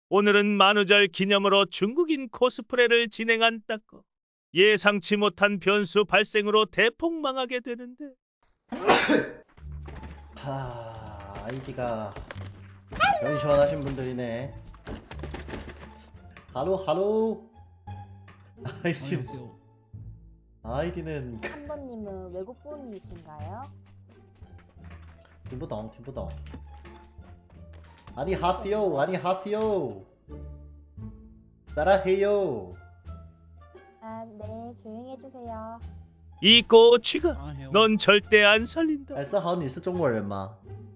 오늘은 만우절 기념으로 중국인 코스프레를 진행한다고. 예상치 못한 변수 발생으로 대폭망하게 되는데. 아이디가 연 시원하신 분들이네. 하로 아이디 안녕하세요. 아이디는 한번님은 외국 분이신가요? 팀부동 아니 하세요 따라해요. 아, 네, 조용히 해주세요. 이 꼬치가 사랑해요. 넌 절대 안 살린다. 哎，思豪，你是中国人吗？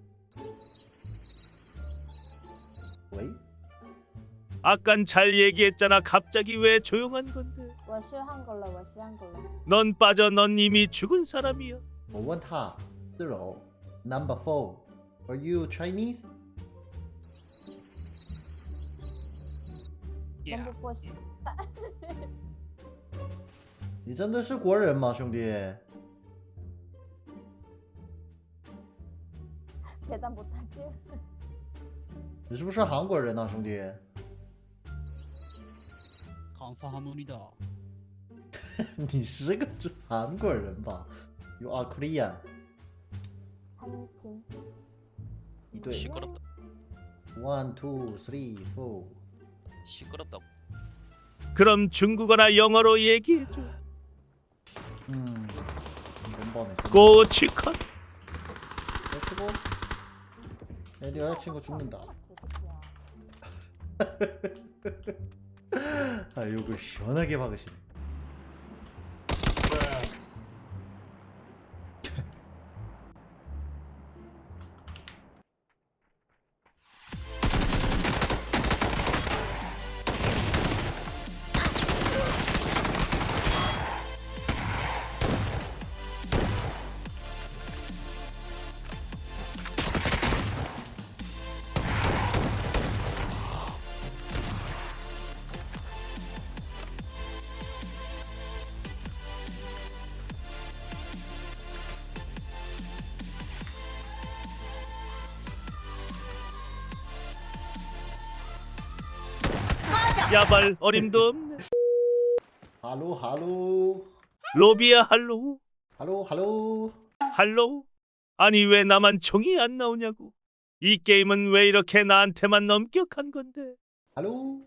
喂， 아깐 잘 얘기했잖아. 갑자기 왜 조용한 건데? 我是韩国人，我是韩国人。 넌 빠져. 넌 이미 죽은 사람이야. 我问他4楼 Number 4，Are you Chinese？ Yeah. 能不过是你真的是国人吗，兄弟？ 계단 못하지? 你是不是韩国人啊，兄弟？ 감사합니다. 你是个韩国人吧？You are Korean。 한 팀. 一对 시끄럽다. ，1 2 3 4。 시끄럽다고. 그럼 중국어나 영어로 얘기해줘. 이번 번에 꼬치컷. 치고 내 여자친구 죽는다. 개새끼야. 아 이거 시원하게 박으시네. 야발 어림도 없네. 할로 로비야 할로우. 할로 할로우? 아니 왜 나만 총이 안 나오냐고. 이 게임은 왜 이렇게 나한테만 엄격한 건데. 할로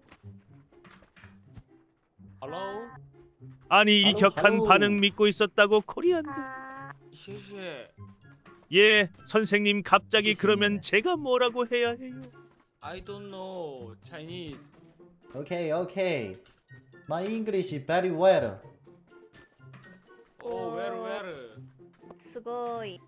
Hello， 아니 이 할로우, 격한 할로우. 반응 믿고 있었다고 코리안들. 아, 谢谢。 예, 선생님 갑자기 무슨 그러면 일? 제가 뭐라고 해야 해요? I don't know Chinese. Okay. My English is very well. Oh, where? すごい。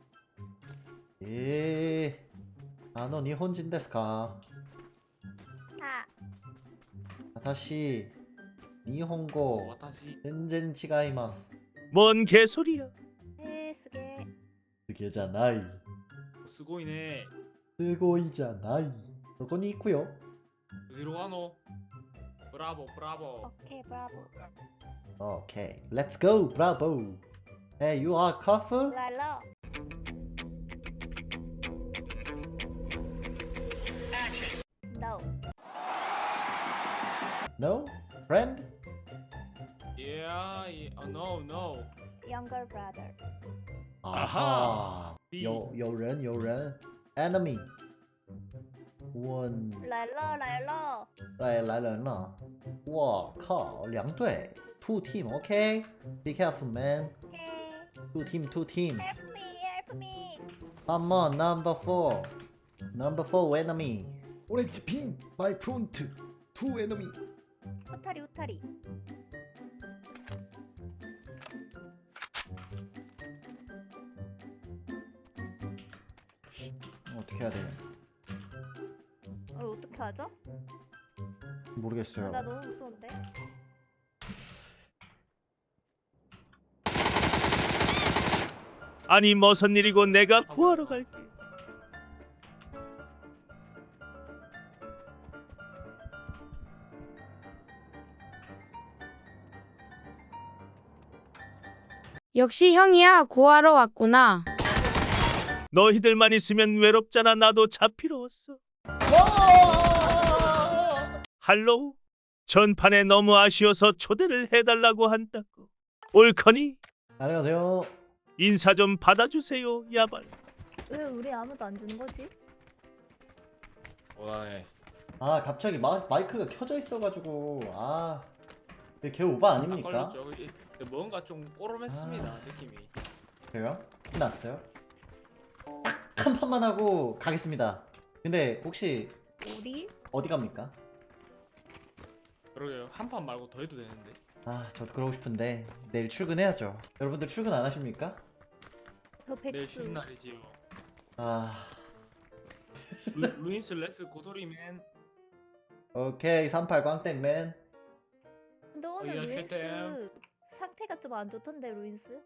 あの日本人ですか？ あ、 私日本語私。 全然違います。 뭔 개소리야. すげえ。 すげじゃない。 すごいね。 すごいじゃない。そこに行くよ。 어디로 가노? 브라보. オッケー、ブラボ Okay, let's go, bravo. Hey, you are cough? ー。来了。No. No? Friend? Yeah. Oh, no. Younger brother. 啊哈，有人 enemy。问， 来了。 哎，来人了！我靠，两队，two team，OK？ Be careful, man. Okay. Two team. Help me. Come on, number 4 enemy. Orange pin, my front. Two enemy. うたり。 어떻게 해야 돼? 어떻게 하죠? 모르겠어요. 나 너무 무서운데. 아니 무슨 일이고 내가 구하러 갈게. 역시 형이야, 구하러 왔구나. 너희들만 있으면 외롭잖아. 나도 잡히러 왔어. 할로우? 전판에 너무 아쉬워서 초대를 해달라고 한다고. 옳거니? 안녕하세요. 인사 좀 받아주세요, 야발. 왜 우리 아무도 안 주는 거지? 원하네. 아 갑자기 마이크가 켜져 있어가지고 이게 개 오바 딱 아닙니까? 걸렸죠. 뭔가 좀 꼬름했습니다. 느낌이. 그래요? 끝났어요? 딱 한 판만 하고 가겠습니다. 근데 혹시 우리? 어디 갑니까? 그러게요. 한 판 말고 더 해도 되는데. 저도 그러고 싶은데 내일 출근해야죠. 여러분들 출근 안 하십니까? 저 내일 백수. 쉬는 날이지요. 루인스 레스 고도리맨. 오케이 38 광땡맨. 근데 오늘 야, 루인스 쉣댐. 상태가 좀 안 좋던데 루인스?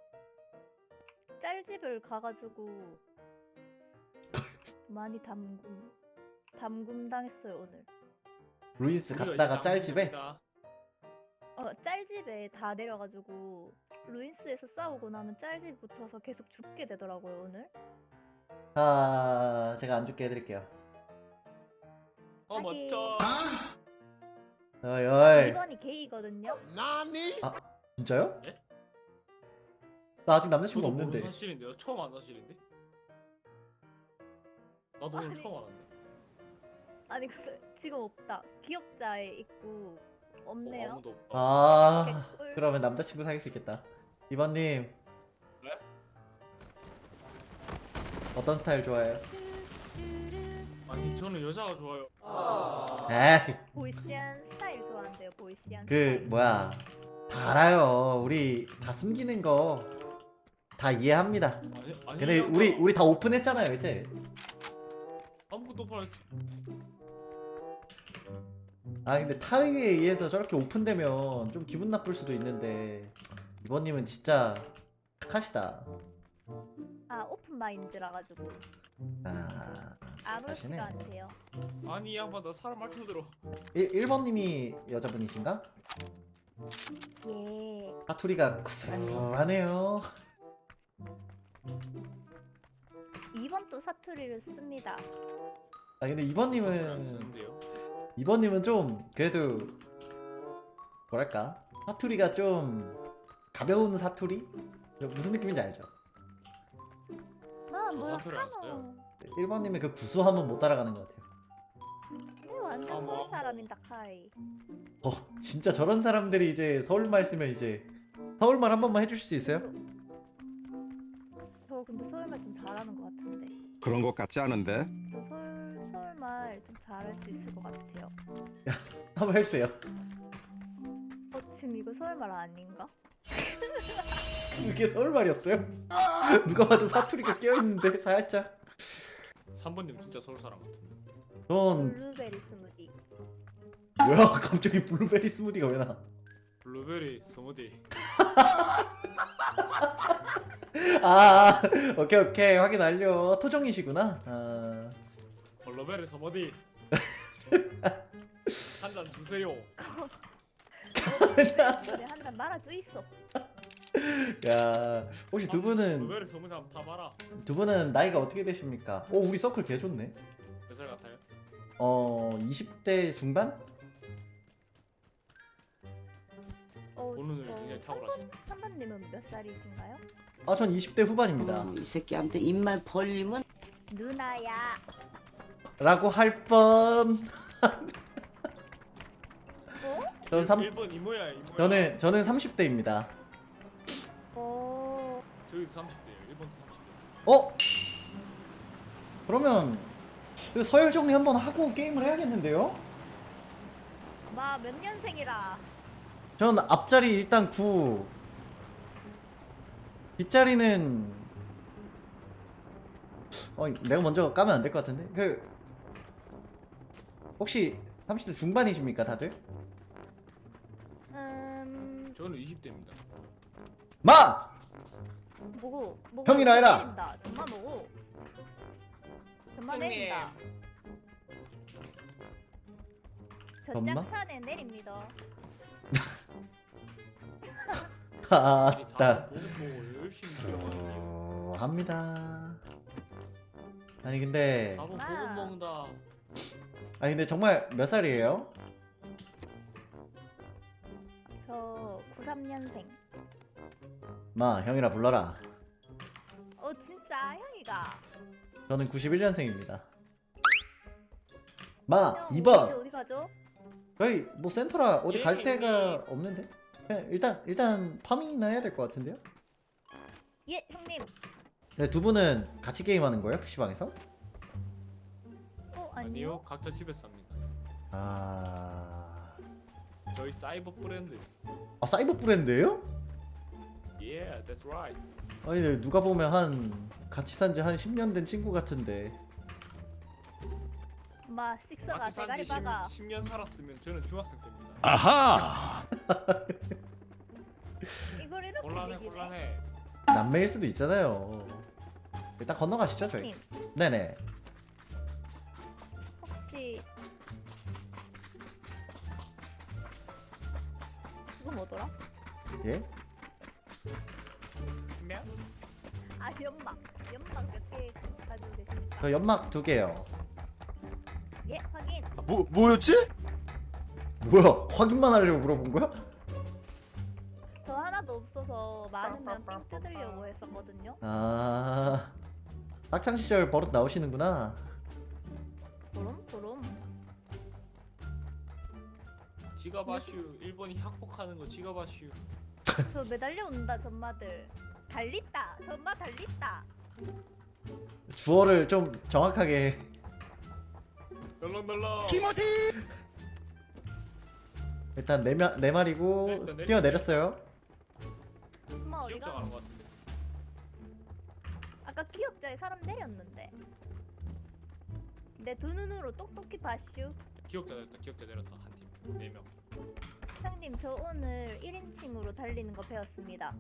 짤집을 가가지고 많이 담금 당했어요 오늘. 루이스 우리가 갔다가 이제 짤집에? 남깁니다. 짤집에 다 내려가지고 루인스에서 싸우고 나면 짤집 붙어서 계속 죽게 되더라고요 오늘. 제가 안 죽게 해드릴게요. 어 하긴. 멋져. 어이 어이. 이번이 게이거든요. 진짜요? 예? 나 아직 남자친구 저도 모르는 없는데. 사실인데요. 처음 안 사실인데. 나도 오늘 아니. 처음 알았네. 아니 근데 지금 없다. 기억자에 있고 없네요. 아무도 없다. 개꿀. 그러면 남자친구 사귈 수 있겠다. 이번님. 네? 어떤 스타일 좋아해요? 아니 저는 여자가 좋아요. 에이 보이시한 스타일 좋아한대요. 보이시한 그 스타일. 뭐야 다 알아요. 우리 다 숨기는 거 다 이해합니다. 아니 근데 우리 다 오픈했잖아요 이제. 아무것도 못 알았어. 근데 타의에 의해서 저렇게 오픈되면 좀 기분 나쁠 수도 있는데 이번님은 진짜 착하시다. 오픈 마인드라 가지고 착하시네. 아무렇지가 않대요. 아니 이 양반 나 사람 말 좀 들어. 1번님이 여자분이신가? 예. 사투리가 구수하네요. 2번 또 사투리를 씁니다. 근데 안 이번님은 쓰는데요. 좀 그래도 뭐랄까 사투리가 좀 가벼운 사투리? 무슨 느낌인지 알죠? 나 저 뭐야 사투리 안 카노. 써요. 1번님의 그 구수함은 못 따라가는 것 같아요. 내 완전 뭐. 서울 사람인다 카이. 진짜 저런 사람들이 이제 서울말 쓰면 이제 서울말 한 번만 해주실 수 있어요? 저 근데 서울말 좀 잘하는 것 같은데. 그런 것 같지 않은데? 저 서울말 좀 잘할 수 있을 것 같아요. 한번 해주세요. 지금 이거 서울말 아닌가? 이게 서울말이었어요? 누가 봐도 사투리가 껴있는데 살짝. 3번님 진짜 서울 사람 같은데. 전 블루베리 스무디. 뭐야 갑자기 블루베리 스무디가 왜 나? 블루베리 스무디. 오케이 확인 완료. 토종이시구나. 블루베리 스무디. 한 잔 주세요. 노래 한잔 말아주 있어. 야 혹시 두 분은 블루베리 스무디 한번 타봐라. 나이가 어떻게 되십니까? 우리 서클 개 좋네. 몇 살 같아요? 20대 중반? 오늘 굉장히 탁월하시네. 3번님은 몇 살이신가요? 전 20대 후반입니다. 이 새끼한테 입만 벌리면 누나야. 라고 할 뻔. 저는 1번 이모야. 저는 30대입니다. 저희도 30대예요. 1번도 30대. 그러면 그 서열 정리 한번 하고 게임을 해야겠는데요? 몇 년생이라. 전 앞자리 일단 9. 뒷자리는 내가 먼저 까면 안 될 것 같은데. 혹시 30대 중반이십니까 다들? 저는 20대입니다. 마! 뭐고 형이라 해라. 내린다. 정말 뭐고. 정말 형님. 내린다. 엄마? 저짝 산에 내립니다. 우리 아따 사람 보고 열심히 들어가는데요. 합니다. 아니 근데 바보 마. 보급 먹는다. 아니 근데 정말 몇 살이에요? 저 93년생. 마 형이라 불러라. 진짜 형이가. 저는 91년생입니다. 마 형, 2번. 어디 가죠? 저희 뭐 센터라 어디 갈 예, 데가 형님. 없는데? 그냥 일단 파밍이나 해야 될 것 같은데요? 예 형님. 네, 두 분은 같이 게임하는 거예요? PC방에서? 아니요. 아니요, 각자 집에서 삽니다. 아... 저희 사이버 브랜드. 아 사이버 브랜드예요? Yeah, that's right. 아니 근데 누가 보면 한 같이 산 지 한 10년 된 친구 같은데 마 식서가 같이 산지 대가리 박아. 10년 살았으면 저는 중학생 때입니다. 아하. 이걸 이렇게 곤란해, 얘기해? 곤란해. 남매일 수도 있잖아요. 일단 건너가시죠 저희. 형님 네네. 혹시 그거 뭐더라? 예? 명? 아 연막 몇 개 가지고 계십니까? 저 연막 2개요. 예 확인. 뭐였지? 뭐야? 확인만 하려고 물어본 거야? 저 하나도 없어서 많으면 삥 뜯으려고 했었거든요. 아... 학창시절 버릇 나오시는구나. 도롬. 지갑 아슈. 일본이 학폭하는 거 지갑 아슈. 저 매달려 온다 전마들. 달리다. 전마 달리다. 주어를 좀 정확하게. 널렁널렁. 일단 네 마리고 네, 일단 뛰어내렸어요. 엄마 어디가? 기억자 가는 거 같은데. 아까 기억자에 사람 내렸는데. 내 두 눈으로 똑똑히 봤슈. 기억자 내렸다 한 팀. 4명. 형님 저 오늘 1인칭으로 달리는 거 배웠습니다.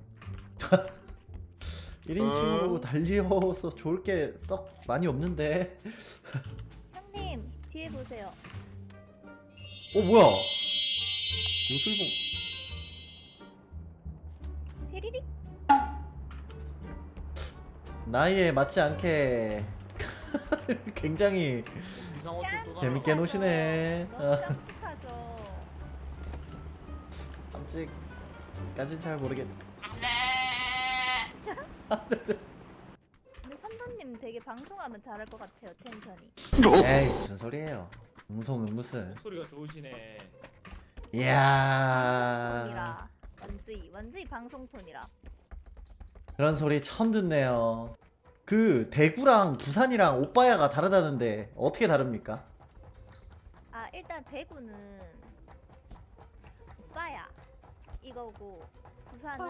1인칭으로 달려서 좋을 게 썩 많이 없는데. 형님 뒤에 보세요. 뭐야? 요술봉. 휘리릭. 나이에 맞지 않게 굉장히 이상호 쪽도 나. 재밌게 노시네. 너무 깜찍하죠. 깜찍까진 잘 모르겠. 근데 선배님 되게 방송하면 잘할 것 같아요 텐션이. 에이 무슨 소리예요? 웅성은 무슨? 목소리가 좋으시네. 이야 톤이라 완전히 방송톤이라. 그런 소리 처음 듣네요. 그 대구랑 부산이랑 오빠야가 다르다는데 어떻게 다릅니까? 아 일단 대구는 오빠야 이거고 부산은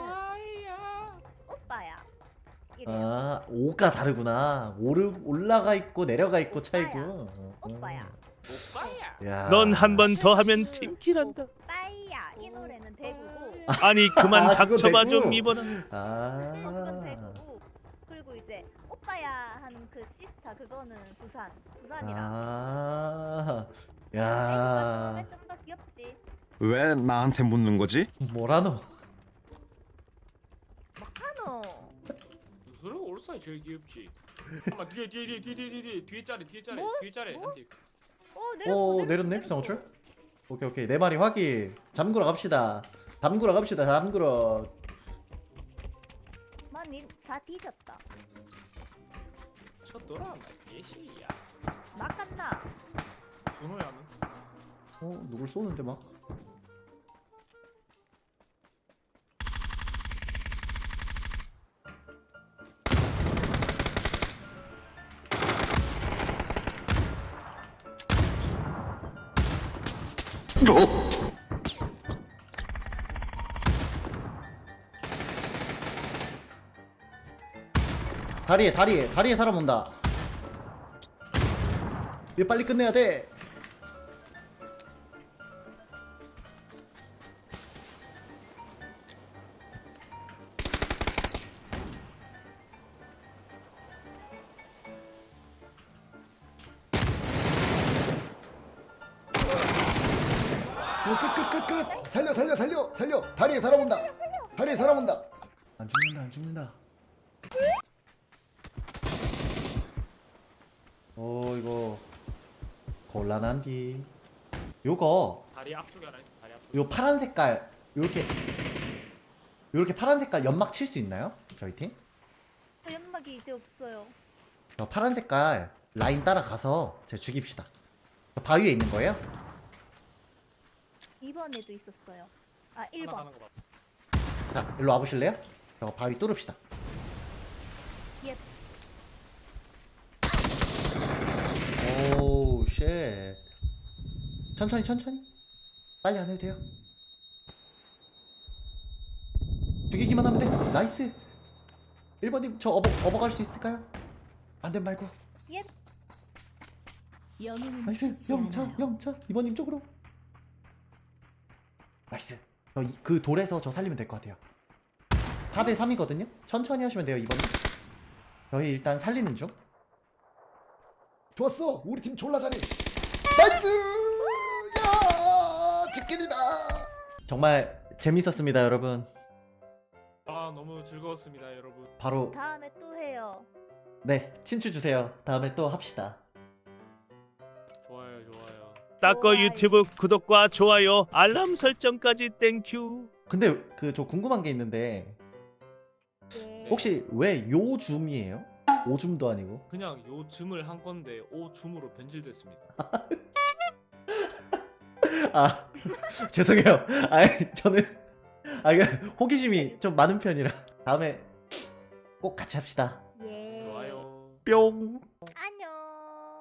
오빠야 이래요. 아 오가 다르구나. 올라가 있고 내려가 있고 차이고. 오빠야. 오빠야. 야. 넌 한 번 더 하면 팀킬한다. 오빠야 이 노래는 대구고 아니 그만 아, 그거 닥쳐봐 대구? 좀 이번아. 그건 아. 대구고 그리고 이제 오빠야 하는 그 시스타 그거는 부산이라. 아. 대구가 야. 처음에 좀 더 귀엽지. 왜 나한테 묻는 거지? 뭐라노? 하노. 소리가 올사이 제일 귀엽지. 잠깐만 뒤에 짜리 뭐? 뒤에 짜리 뭐? 한 팀. 오 내렸네 비상호출? 오케이 네 마리 확인. 잠그러 갑시다. 담그러. 많이 다 뒤졌다. 저 돌아나 예시야. 막 갔나? 준호야 는 누굴 쏘는데 막. 다리에 사람 온다. 이거 빨리 끝내야 돼. 끝. 살려. 다리에 사람 온다. 안 죽는다. 이거 곤란한디. 요거 다리 앞쪽에 하나 있어. 다리 앞쪽. 요 파란 색깔 요렇게 파란 색깔 연막 칠 수 있나요? 저희 팀? 연막이 이제 없어요. 저 파란 색깔 라인 따라가서 제 죽입시다. 저 바위에 있는 거예요? 2번에도 있었어요. 아 하나 1번. 가는 거 봐. 자, 일로 와보실래요? 저 바위 뚫읍시다. 예. 오우 쉣. 천천히 빨리 안 해도 돼요. 죽이기만 하면 돼. 나이스. 1번님 저 업어갈 수 있을까요? 안된 말고. 예. 나이스. 영차 2번님 쪽으로. 나이스. 그 돌에서 저 살리면 될 것 같아요. 4대 3이거든요. 천천히 하시면 돼요 2번님. 저희 일단 살리는 중. 좋았어. 우리 팀 졸라 잘해. 나이스. 야 치킨이다. 정말 재밌었습니다 여러분. 아 너무 즐거웠습니다 여러분. 바로 다음에 또 해요. 네 친추 주세요. 다음에 또 합시다. 좋아요 좋아요. 따꺼 좋아요. 유튜브 구독과 좋아요, 알람 설정까지 땡큐. 근데 저 궁금한 게 있는데 예. 혹시 왜 요줌이에요? 오줌도 아니고. 그냥 요즘을 한 건데 오줌으로 변질됐습니다. 아 죄송해요. 저는 이게 호기심이 좀 많은 편이라 다음에 꼭 같이 합시다. 예. 좋아요. 뿅. 안녕.